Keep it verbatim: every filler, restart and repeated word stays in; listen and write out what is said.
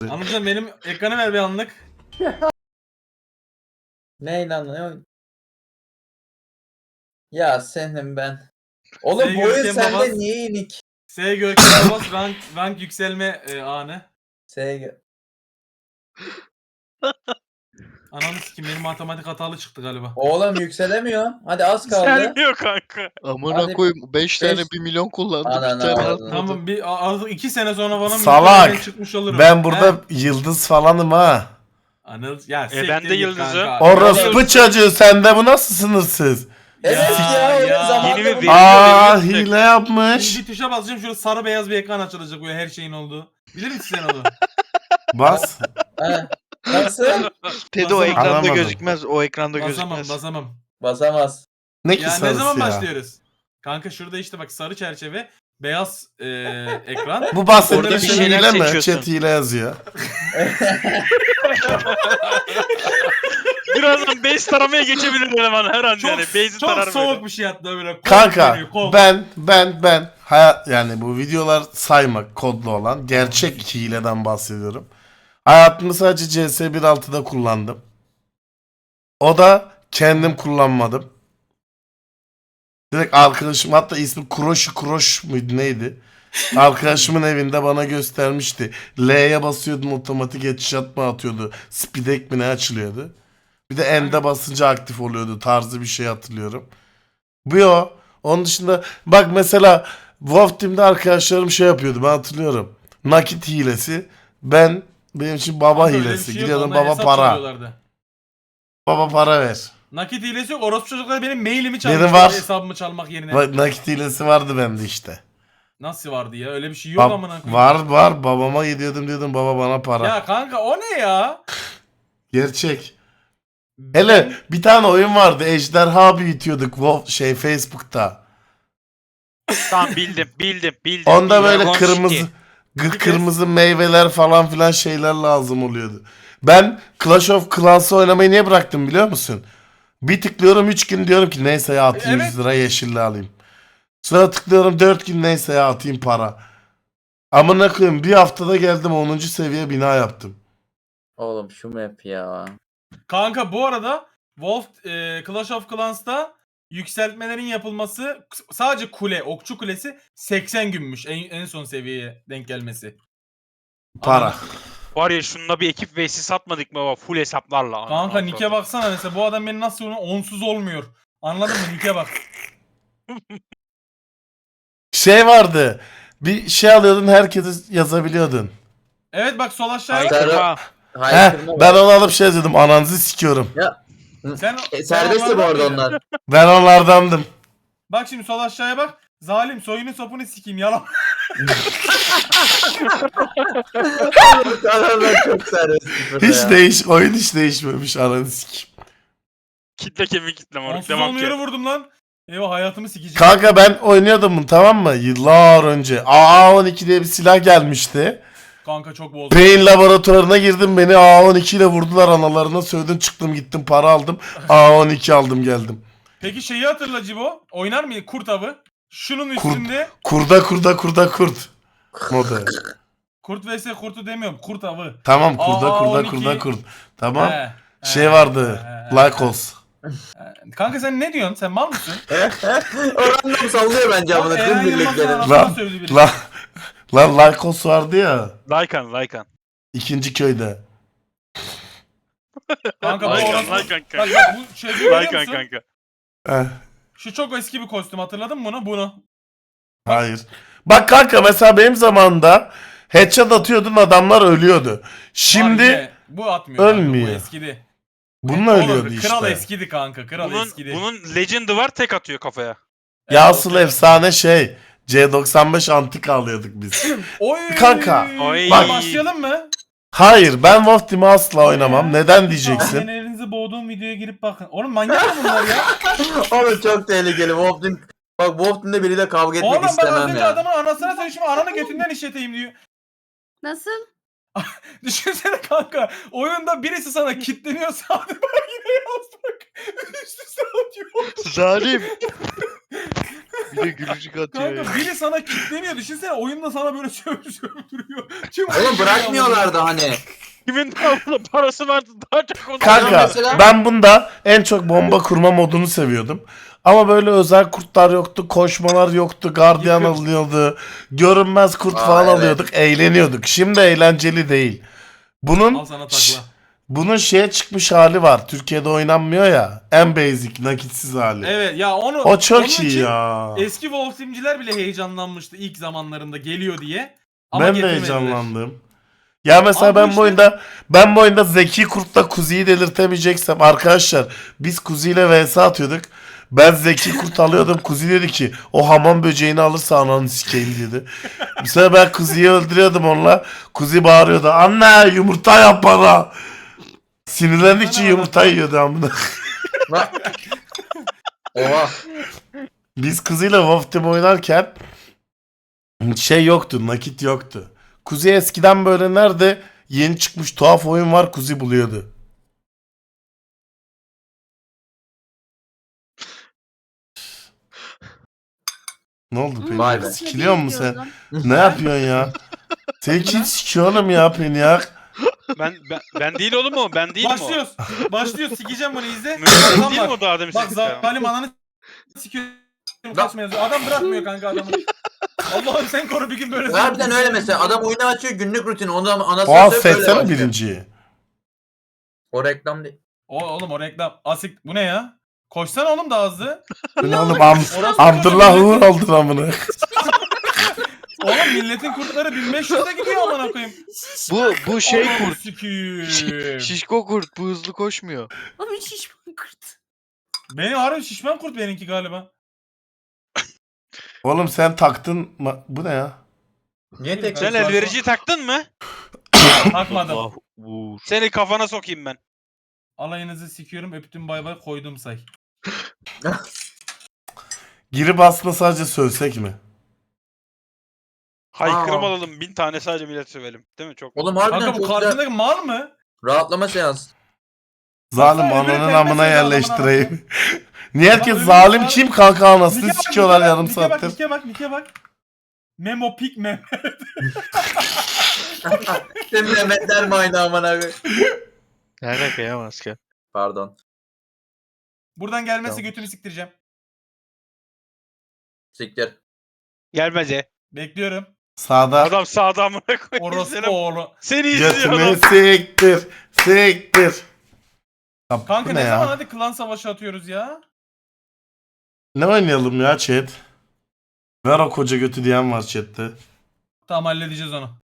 Anlatacağım benim ekranı ver bir anlık. Ne lan ne? Ya senin ben. Oğlum Sevgili bu oyun Görkem sende Babas. niye inik? S Görkem Babas rank, rank yükselme e, anı. Sevgi. Ananı sikim benim matematik hatalı çıktı galiba. Oğlum yükselemiyor. Hadi az kaldı. Gelmiyor kanka. Amına Hadi koyayım beş tane beş- bir milyon kullandı Ananı bir tane avradını. atmadı. Tamam bir a- artık iki sene sonra bana Salak. mülkiyeden çıkmış olurum. Ben burada He? yıldız falanım ha. Anıl ya E, ben siktir de git yıldızım. kanka. Orospu çocuğu sende bu nasıl sınırsız? Evet Ya, ya, oyun ya. zamanında Yeni bir bu- video- Aa veriyor, hile Şimdi yapmış. bir tuşa basacağım şurada sarı beyaz bir ekran açılacak böyle her şeyin olduğu. Bilir misin sen onu? Bas. He. Nasıl? Tedi o Basamam. ekranda Anlamadım. gözükmez. O ekranda Basamam gözükmez. basamam. Basamaz. Ne ki Ya ne sarısı zaman ya? başlıyoruz? Kanka şurada işte bak sarı çerçeve, beyaz e, ekran. Bu bahsettiğin Orada bir şey şeyler hile mi? seçiyorsun. Chat hile yazıyor. Birazdan base taramaya geçebilir eleman her an Çok, yani. Base'i çok tarar soğuk böyle. bir şey hatta böyle. Kol Kanka veriyor, kol. ben ben ben hayat yani bu videolar saymak kodlu olan gerçek hileden bahsediyorum. Hayatımı sadece C S bir nokta altıda kullandım. O da kendim kullanmadım. Direkt arkadaşım hatta ismi Kuroş Kuroş muydu neydi? Arkadaşımın evinde bana göstermişti. L'ye basıyordun otomatik headshot mı atıyordu? Speedek mi ne açılıyordu? Bir de N'de basınca aktif oluyordu tarzı bir şey hatırlıyorum. Bu o. Onun dışında bak mesela Wolf Team'de arkadaşlarım şey yapıyordu ben hatırlıyorum. Nakit hilesi. Ben benim için baba Kanka öyle bir hilesi. şey yok, Gidiyordum ondan baba hesap para. çalıyorlardı. Baba para ver. Nakit hilesi yok. Orospu çocuklar benim mailimi çalmış. Benim var. Hesabımı çalmak yerine. Bak, nakit hilesi vardı bende işte. Nasıl vardı ya? Öyle bir şey yok Bab- amına koyayım. var var babama gidiyordum diyordum baba bana para. Ya kanka o ne ya? Gerçek. Hele bir tane oyun vardı Ejderha büyütüyorduk Wolf şey Facebook'ta. Tamam bildim bildim bildim. Onda böyle Dragon kırmızı City. gı- kırmızı meyveler falan filan şeyler lazım oluyordu. Ben Clash of Clans'ı oynamayı niye bıraktım biliyor musun? Bir tıklıyorum üç gün diyorum ki neyse ya atayım Evet. yüz lira yeşilli alayım. Sonra tıklıyorum dört gün neyse ya atayım para. Amına koyayım bir haftada geldim onuncu seviye bina yaptım. Oğlum şu map ya. Kanka bu arada Wolf e, Clash of Clans'ta yükseltmelerin yapılması sadece kule, okçu kulesi seksen günmüş en, en son seviyeye denk gelmesi. Para. Anladın? Var ya şununla bir ekip vs satmadık mı baba full hesaplarla. Kanka Nick'e baksana mesela bu adam beni nasıl onu onsuz olmuyor. Anladın mı Nick'e bak. Şey vardı. Bir şey alıyordun herkese yazabiliyordun. Evet bak sol aşağıya bak. Haykırma. He, Haykırma ben var. onu alıp şey yazıyordum ananızı sikiyorum. Sen, E, sen serbestti bu arada onlardan mıydın? onlar. Ben onlardandım. Bak şimdi sol aşağıya bak. Zalim soyunu sopunu sikeyim yalan. Adamlar çok serbest. Hiç değiş oyun hiç değişmemiş ananı sikeyim. Kitle kemik kitle moruk Onsuz devam olmuyor ki. vurdum lan. Eyvah hayatımı sikeceğim. Kanka ben oynuyordum bunu tamam mı? Yıllar önce. A on iki diye bir silah gelmişti. Kanka çok bozdu. Beyin laboratuvarına girdim beni A on iki ile vurdular analarına sövdüm çıktım gittim para aldım. A on iki aldım geldim. Peki şeyi hatırla Cibo. Oynar mıydı kurt avı? Şunun Kurt. üstünde Kurda kurda kurda kurt. Modu. kurt vs kurtu demiyorum kurt avı. Tamam kurda A kurda on iki. kurda kurt. Tamam. He, he, Şey vardı. he, he, Lycos. he. Kanka sen ne diyorsun? Sen mal mısın? O random sallıyor bence amına Eren tüm Yılmaz'ın birliklerin. anasına Lan, sövdü biri. Lan lan Lycos vardı ya. Lycan Lycan. İkinci köyde. Kanka bu Lycan orası... Lycan Bak kanka. bak bu şey görüyor Lycan musun? kanka. Heh, Şu çok eski bir kostüm hatırladın mı bunu? Bunu. hayır. Bak kanka mesela benim zamanımda headshot atıyordun adamlar ölüyordu. Şimdi Harbi, bu atmıyor. kanka, ölmüyor. Bu eskidi. bununla Oğlum, ölüyordu işte. Kral eskidi kanka. Kral Bunun, eskidi. bunun legend'ı var tek atıyor kafaya. Ya Evet, asıl okey. efsane şey C doksan beş antika alıyorduk biz. Oy. Kanka, Oy. Bak başlayalım mı? Hayır ben Wolf Team'i asla oynamam. Neden diyeceksin? Annenizi boğduğum videoya girip bakın. Oğlum manyak mı bunlar ya? Oğlum çok tehlikeli. Wolf Team. Bak Wolf Team'de biriyle kavga etmek Oğlum bak az istemem önce ya. adamın anasına söyle şimdi ananı götünden işleteyim diyor. Nasıl? Düşünsene kanka oyunda birisi sana kilitleniyor sağda ben yine yazmak. Üst üste atıyor. Zalim. Bir de gülücük atıyor ya. Kanka biri sana kilitleniyor. Düşünsene oyunda sana böyle çöp çöp duruyor. Kim Oğlum bırakmıyorlardı hani. Kimin daha fazla parası vardı daha çok onu. Kanka mesela- ben bunda en çok bomba kurma modunu seviyordum. Ama böyle özel kurtlar yoktu, koşmalar yoktu, gardiyan Yıkım. alıyordu, görünmez kurt Aa, falan evet. alıyorduk, eğleniyorduk. Şimdi eğlenceli değil. Bunun Al sana Şşş, takla. bunun şeye çıkmış hali var. Türkiye'de oynanmıyor ya. En basic, nakitsiz hali. Evet ya onu O çok onun iyi için ya. Eski Wolf Team'ciler bile heyecanlanmıştı ilk zamanlarında geliyor diye. Ama Ben de getirmediler. heyecanlandım. Ya mesela Abi bu ben bu işte- oyunda ben bu oyunda Zeki Kurt'la Kuzi'yi delirtemeyeceksem arkadaşlar biz Kuzi'yle vs atıyorduk. Ben Zeki Kurt alıyordum. Kuzi dedi ki o hamam böceğini alırsa ananı sikeyim dedi. Mesela ben Kuzi'yi öldürüyordum onunla. Kuzi bağırıyordu. Anne yumurta yap bana. Sinirlendikçe yumurta yiyordu amına. Lan. Oha. Biz kızıyla Wolf Team oynarken şey yoktu, nakit yoktu. Kuzi eskiden böyle nerede yeni çıkmış tuhaf oyun var Kuzi buluyordu. Ne oldu Pelin? Vay be. Sikiliyor musun sen? Ne yapıyorsun ya? Sen kim sikiyor oğlum ya Peniak? Ben, ben, ben değil oğlum o. Ben değil mi o? Başlıyoruz. Başlıyoruz. Sikeceğim bunu izle. Mümkün Adam değil mi bak. o daha demin Bak sekiz zalim ananı sikiyor. Kaçma yazıyor. Adam bırakmıyor kanka adamı. Allah'ım sen koru bir gün böyle. Harbiden öyle mesela. Adam oyunu açıyor günlük rutini. Ondan anasını Oha satayım, böyle seçsene başlıyor. birinciyi. O reklam değil. O, oğlum o reklam. Asik bu ne ya? Koşsana oğlum daha hızlı. Bu ne oğlum am Orası Abdullah çocuğu Uğur milletin- oldun amına. Oğlum milletin kurtları bin beş yüze gidiyor amına koyayım. Bu bu şey Ananı kurt. sikeyim. Şişko kurt. Bu hızlı koşmuyor. Abi şişman kurt. Benim harbi şişman kurt benimki galiba. Oğlum sen taktın ma- bu ne ya? Niye tek Sen elvericiyi taktın mı? Takmadım. Allah vur. Seni kafana sokayım ben. Alayınızı sikiyorum öptüm bay bay koydum say. Girip aslında sadece sövsek mi? Haykırım Aa. alalım. Bin tane sadece millet sövelim. Değil mi? Çok. Oğlum harbiden Kanka bu çok güzel. karşındaki mal mı? Rahatlama seansı. Zalim Baksana, öbürü ananın pembe amına seviyor, yerleştireyim. Niye herkes öbürü zalim zalim- kim kanka anasını Nike bak, sikiyorlar Nike bak, yarım Nike bak, saattir. Nike bak, Nike bak. Memo pik mem. Sen Mehmetler mi aynı aman abi? Ne alaka ya maske? Pardon. Buradan gelmesi Tamam. götünü siktireceğim. Siktir. Gelmece. Bekliyorum. Sağda Adam sağda amına koyayım. Orospu Seni, oğlu. seni izliyor götünü adam. siktir. Siktir. Ya Kanka bu ne, ne zaman ya? hadi klan savaşı atıyoruz ya? Ne oynayalım ya chat? Ver o koca götü diyen var chatte. Tamam halledeceğiz onu.